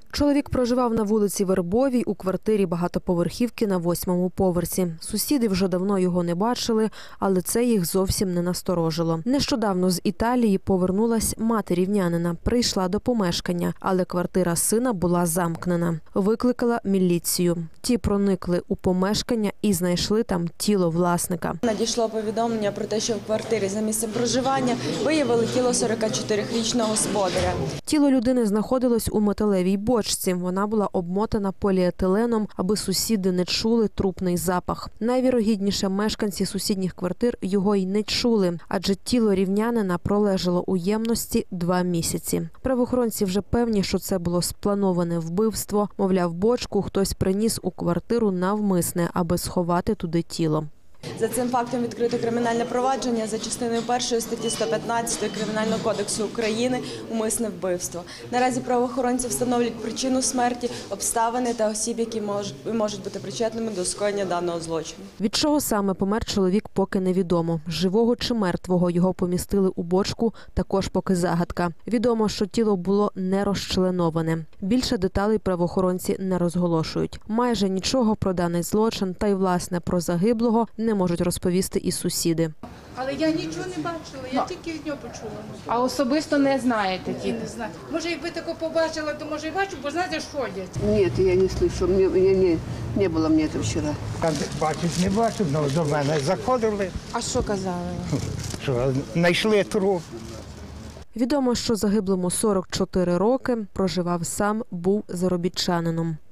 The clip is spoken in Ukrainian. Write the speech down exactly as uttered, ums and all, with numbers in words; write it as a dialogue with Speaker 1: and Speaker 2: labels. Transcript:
Speaker 1: Чоловік проживав на вулиці Вербовій у квартирі багатоповерхівки на восьмому поверсі. Сусіди вже давно його не бачили, але це їх зовсім не насторожило. Нещодавно з Італії повернулась мати рівнянина, прийшла до помешкання, але квартира сина була замкнена. Викликала міліцію. Ті проникли у помешкання і знайшли там тіло власника.
Speaker 2: Надійшло повідомлення про те, що в квартирі за місцем проживання виявили тіло сорокачотирирічного господаря.
Speaker 1: Тіло людини знаходилось у металевій бочці. Вона була обмотана поліетиленом, аби сусіди не чули трупний запах. Найвірогідніше, мешканці сусідніх квартир його й не чули, адже тіло рівнянина пролежало у ємності два місяці. Правоохоронці вже певні, що це було сплановане вбивство. Мовляв, бочку хтось приніс у квартиру навмисне, аби сховати туди тіло.
Speaker 2: За цим фактом відкрито кримінальне провадження за частиною першої статті сто п'ятнадцять Кримінального кодексу України «Умисне вбивство». Наразі правоохоронці встановлюють причину смерті, обставини та осіб, які можуть, можуть бути причетними до скоєння даного злочину.
Speaker 1: Від чого саме помер чоловік, поки невідомо. Живого чи мертвого його помістили у бочку, також поки загадка. Відомо, що тіло було не розчленоване. Більше деталей правоохоронці не розголошують. Майже нічого про даний злочин та й, власне, про загиблого не можуть розповісти і сусіди.
Speaker 3: Але я нічого не бачила, я тільки від нього почула.
Speaker 4: А особисто не знаєте?
Speaker 3: Я не знаю. Може, якби тако побачила, то може і бачу, бо знаєте, що ходять.
Speaker 5: Ні, я не слышу, мені, не, не було мені це вчора.
Speaker 6: Бачить, не бачив, але до мене заходили,
Speaker 4: А що казали?
Speaker 6: що знайшли труп.
Speaker 1: Відомо, що загиблому сорок чотири роки, проживав сам, був заробітчанином.